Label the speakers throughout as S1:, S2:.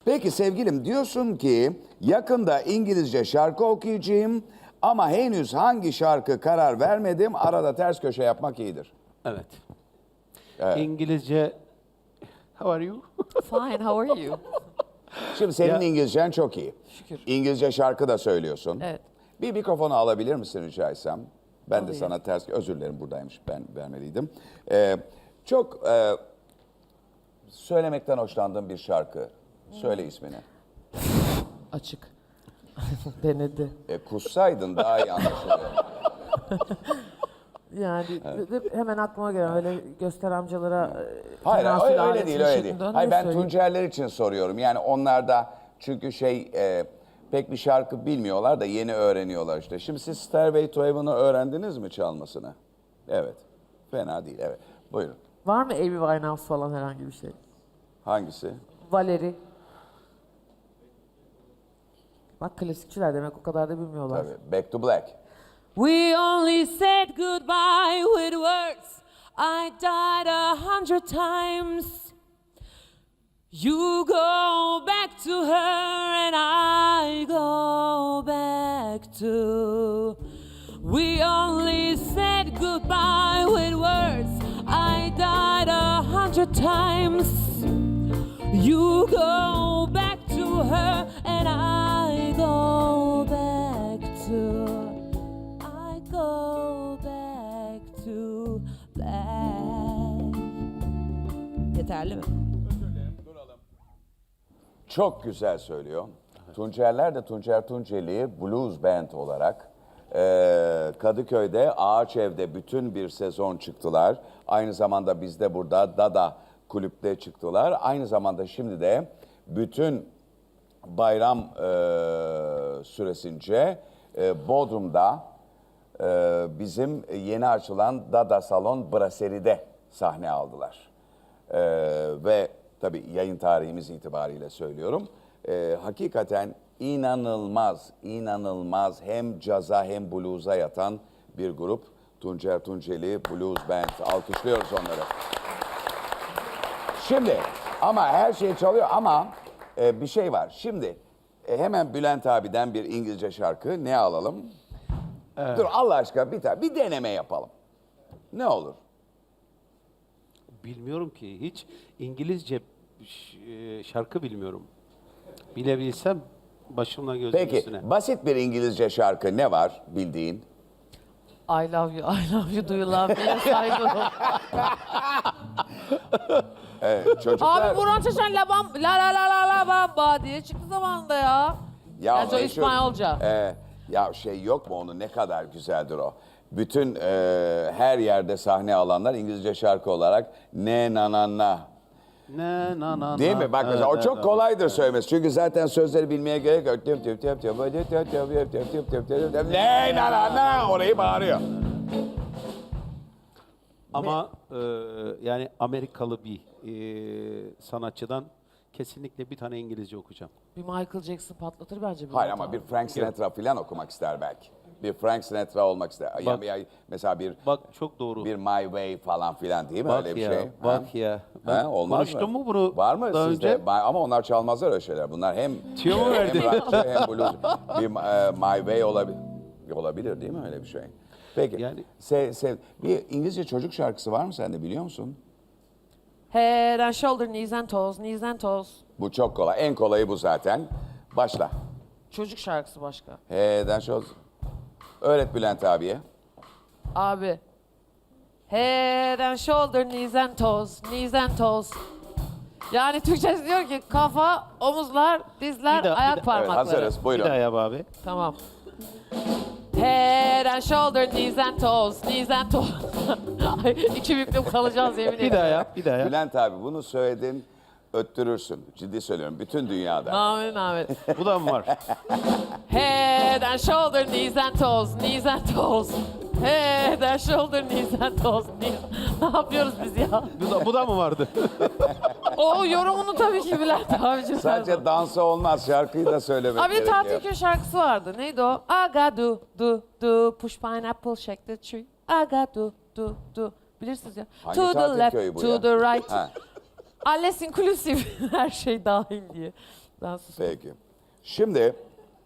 S1: Peki sevgilim, diyorsun ki yakında İngilizce şarkı okuyacağım ama henüz hangi şarkı karar vermedim. Arada ters köşe yapmak iyidir.
S2: Evet.
S1: Evet.
S2: İngilizce... How are you?
S3: Fine, how are you?
S1: Şimdi senin
S2: Ya-
S1: İngilizcen çok iyi.
S3: Şükür.
S1: İngilizce şarkı da söylüyorsun.
S3: Evet.
S1: Bir mikrofonu alabilir misin rica etsem? Ben de
S3: Alayım.
S1: sana ters... Özür dilerim, buradaymış, ben vermeliydim. Çok söylemekten hoşlandığım bir şarkı. Söyle ismini.
S3: Açık. Denedi.
S1: Kussaydın daha iyi anlaşılıyor.
S3: Yani hemen aklıma gelen öyle göster amcalara
S1: Hayır,
S3: tenasül
S1: öyle
S3: aleti
S1: değil, öyle değil.
S3: şeklinde
S1: Hayır,
S3: ne
S1: ben
S3: söyleyeyim?
S1: Tuncerler için soruyorum. Yani onlar da çünkü pek bir şarkı bilmiyorlar da yeni öğreniyorlar işte. Şimdi siz Stairway to Heaven'ı öğrendiniz mi çalmasını? Evet. Fena değil, evet. Buyurun.
S3: Var mı Amy Winehouse falan herhangi bir şey?
S1: Hangisi?
S3: Valerie. Bak klasikçiler demek o kadar da bilmiyorlar.
S1: Tabii. Back to Black.
S3: We only said goodbye with words. I died 100 times. You go back to her and I go back to. We only said goodbye with words. I died 100 times. You go back to her and I go back to. I go back to black. Yeterli mi?
S1: Çok güzel söylüyor. Tuncerler de Tuncer Tunceli Blues Band olarak Kadıköy'de Ağaç Ev'de bütün bir sezon çıktılar. Aynı zamanda bizde burada Dada kulüpte çıktılar. Aynı zamanda şimdi de bütün bayram süresince Bodrum'da bizim yeni açılan Dada Salon Brasserie'de sahne aldılar. Ve tabii yayın tarihimiz itibariyle söylüyorum. Hakikaten inanılmaz, inanılmaz hem caza hem blues'a yatan bir grup. Tuncer Tunceli Blues Band. Alkışlıyoruz onları. Şimdi ama her şey çalıyor ama bir şey var. Şimdi hemen Bülent abiden bir İngilizce şarkı ne alalım? Dur Allah aşkına bir deneme yapalım. Ne olur?
S2: Bilmiyorum ki. Hiç İngilizce şarkı bilmiyorum. Bilebilsem başımla gözüm
S1: Peki
S2: üstüne.
S1: basit bir İngilizce şarkı ne var bildiğin?
S3: I love you, I love you, do you love me? Yes, I do.
S1: Çocuklar...
S3: Abi Burhan Çeşen la bam, la la la la la bamba diye çıktı zamanında ya. Gerçi o
S1: meşhur-
S3: İspanyolca.
S1: Ya şey yok mu onu, ne kadar güzeldir o. Bütün her yerde sahne alanlar İngilizce şarkı olarak ne na na na.
S2: Ne na na
S1: Değil
S2: na.
S1: mi? Bak mesela o çok kolaydır söylemesi. Çünkü zaten sözleri bilmeye gerek yok. Ne na na na orayı bağırıyor.
S2: Ama yani Amerikalı bir sanatçıdan kesinlikle bir tane İngilizce okuyacağım.
S3: Bir Michael Jackson patlatır bence.
S1: Hayır ama bir Frank Sinatra falan okumak ister belki. Bir Frank Sinatra olmak ister.
S2: Bak-
S1: Mesela bir
S2: Bak çok doğru.
S1: My Way falan filan değil mi
S2: Bak
S1: öyle bir
S2: ya,
S1: şey?
S2: bak ya.
S1: Ha, olmaz
S2: konuştum
S1: mı?
S2: mu bunu
S1: Var mı
S2: daha
S1: sizde?
S2: önce?
S1: Ama onlar çalmazlar öyle şeyler. Bunlar hem
S2: Tüyo mu verdi?
S1: hem rockçı hem blues. Bir My Way olabilir değil mi öyle bir şey? Peki.
S2: Yani-
S1: Bir İngilizce çocuk şarkısı var mı sende, biliyor musun?
S3: Head and shoulder, knees and toes, knees and toes.
S1: Bu çok kolay. En kolayı bu zaten. Başla.
S3: Çocuk şarkısı başka.
S1: He'den şöyle. Öğret Bülent abiye.
S3: Abi. Head and shoulder, knees and toes, knees and toes. Yani Türkçesi diyor ki kafa, omuzlar, dizler,
S2: Bir daha,
S3: ayak
S2: bir daha.
S1: Evet,
S3: parmakları.
S1: hazırız.
S2: Bir
S1: Buyurun.
S2: daha yap abi.
S3: Tamam. Head and shoulder, knees and toes, knees and toes. Ay, İki büklüm kalacağız yemin
S2: Bir
S3: ederim.
S2: daha yap, bir daha yap.
S1: Bülent abi bunu söyledin, öttürürsün. Ciddi söylüyorum. Bütün dünyada.
S3: Amin amin.
S2: Bu da mı var?
S3: Head and shoulder, knees and toes, knees and toes. Head and shoulder, knees and toes, knees. Ne yapıyoruz biz ya?
S2: Bu da mı vardı?
S3: O yorumunu tabii ki Bülent abicim.
S1: Sadece dansa olmaz. Şarkıyı da söylemek
S3: Abi
S1: gerekiyor.
S3: tatil köy şarkısı vardı. Neydi o? I got do push pineapple shake the tree. I got do. Bilirsiniz ya.
S1: Hangi
S3: To the
S1: tatil
S3: left,
S1: köyü bu
S3: to
S1: ya?
S3: the right.
S1: Ha.
S3: Alles inclusive. Her şey dahil diye. Ben sustum.
S1: Peki. Şimdi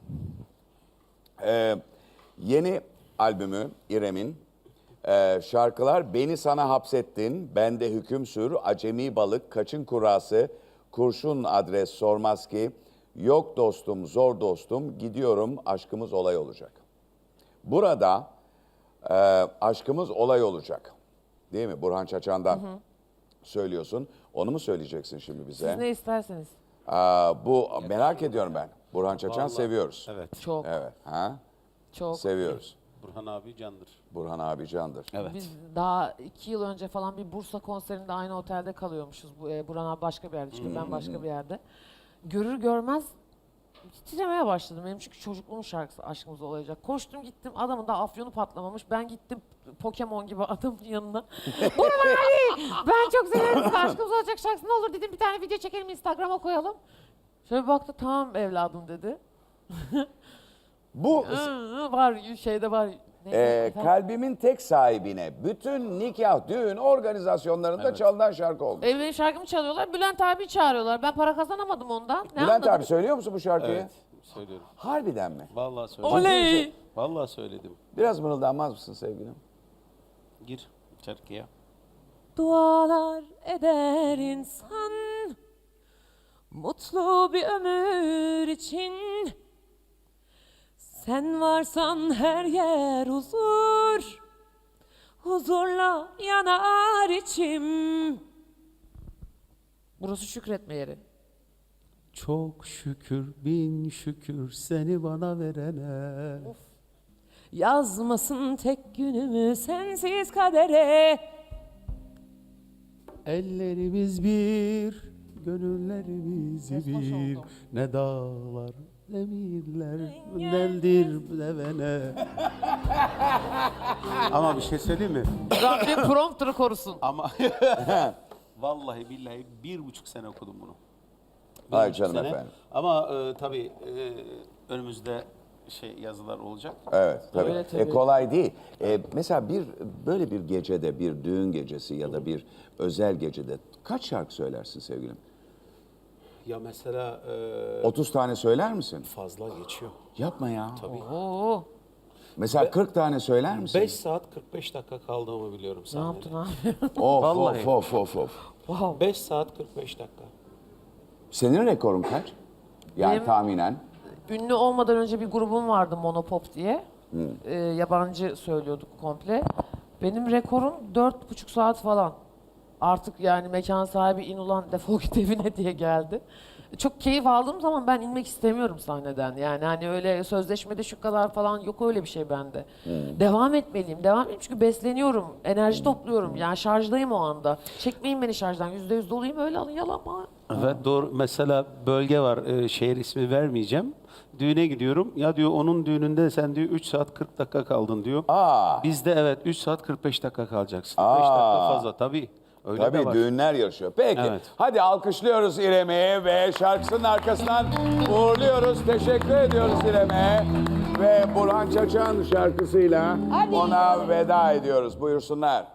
S1: yeni albümü İrem'in şarkılar Beni Sana Hapsettin, Bende Hüküm Sür, Acemi Balık, Kaçın Kurası, Kurşun Adres Sormaz Ki, Yok Dostum, Zor Dostum, Gidiyorum, Aşkımız Olay Olacak. Burada aşkımız olay olacak. Değil mi? Burhan Çaçan'dan söylüyorsun. Onu mu söyleyeceksin şimdi bize?
S3: Siz ne isterseniz.
S1: Bu merak ediyorum ben. Burhan Çaçan
S2: Vallahi,
S1: seviyoruz.
S2: Evet.
S3: Çok,
S1: Evet. Ha?
S3: çok.
S1: Seviyoruz.
S2: Burhan abi candır.
S1: Burhan abi candır.
S2: Evet.
S3: Biz daha 2 yıl önce falan bir Bursa konserinde aynı otelde kalıyormuşuz. Burhan abi başka bir yerde, çünkü ben başka bir yerde. Görür görmez titremeye başladım. Benim çünkü çocukluğumun şarkısı Aşkımız Olacak. Koştum gittim, adamın da afyonu patlamamış. Ben gittim Pokemon gibi adamın yanına. Burhan abi, ben çok severim sizi, Aşkımız Olacak şarkısı, ne olur dedim, bir tane video çekelim, Instagram'a koyalım. Şöyle bir baktı, tamam evladım dedi.
S1: Bu
S3: Var şeyde var. Neydi efendim?
S1: kalbimin tek sahibine bütün nikah, düğün organizasyonlarında çalınan şarkı olmuş.
S3: Benim şarkımı çalıyorlar, Bülent abi çağırıyorlar. Ben para kazanamadım ondan. Ne
S1: Bülent
S3: anladım?
S1: abi söylüyor musun bu şarkıyı?
S2: Evet. Söylüyorum.
S1: Harbiden mi?
S2: Vallahi söyledim.
S3: Oley!
S2: Vallahi söyledim.
S1: Biraz mırıldanmaz mısın sevgilim?
S2: Gir şarkıya.
S3: Dualar eder insan mutlu bir ömür için. Sen varsan her yer huzur, huzurla yanar içim. Burası şükretme yeri.
S2: Çok şükür, bin şükür seni bana verene.
S3: Yazmasın tek günümü sensiz kadere.
S2: Ellerimiz bir, gönüllerimiz bir.
S3: oldum.
S2: Ne dağlar, ne miller, neldir devene. Ama bir şey söyleyeyim mi?
S3: Rabbim prompter'ı korusun.
S2: Ama vallahi billahi 1,5 sene okudum bunu.
S1: Ay
S2: 1,5
S1: canım
S2: sene.
S1: efendim.
S2: Ama tabii önümüzde yazılar olacak.
S1: Evet tabii.
S3: Öyle tabii.
S1: Kolay değil. Mesela böyle bir gecede, bir düğün gecesi ya da bir özel gecede kaç şarkı söylersin sevgilim?
S2: Ya mesela
S1: 30 tane söyler misin?
S2: fazla geçiyor.
S1: Yapma ya.
S2: Tabii.
S3: Oo,
S1: Mesela 40 tane söyler misin?
S2: 5 saat 45 dakika kaldığımı biliyorum
S3: ne
S2: sahnede.
S3: yaptın abi?
S1: Of
S2: Vallahi.
S1: of.
S3: Wow.
S2: 5 saat 45 dakika.
S1: Senin rekorun kaç? Yani
S3: Benim-
S1: tahminen.
S3: Ünlü olmadan önce bir grubum vardı Monopop diye. Yabancı söylüyorduk komple. Benim rekorum 4,5 saat falan. Artık yani mekan sahibi in ulan defol git evine diye geldi. Çok keyif aldığım zaman ben inmek istemiyorum sahneden. Yani hani öyle sözleşmede şu kadar falan yok, öyle bir şey bende. Devam etmeliyim. Devam edeyim çünkü besleniyorum. Enerji topluyorum. Yani şarjdayım o anda. Çekmeyin beni şarjdan. %100 doluyum, öyle alın, yalama.
S2: Evet doğru. Mesela bölge var. Şehir ismi vermeyeceğim. Düğüne gidiyorum. Ya diyor onun düğününde sen diyor 3 saat 40 dakika kaldın diyor.
S1: Aa.
S2: Bizde evet 3 saat 45 dakika kalacaksın.
S1: Aa.
S2: 5 dakika fazla tabii. Öyle de
S1: Tabii
S2: var.
S1: düğünler yarışıyor. Peki
S2: Evet.
S1: hadi alkışlıyoruz İrem'i ve şarkısının arkasından uğurluyoruz. Teşekkür ediyoruz İrem'e. Ve Burhan Çaçan şarkısıyla ona veda ediyoruz. Buyursunlar.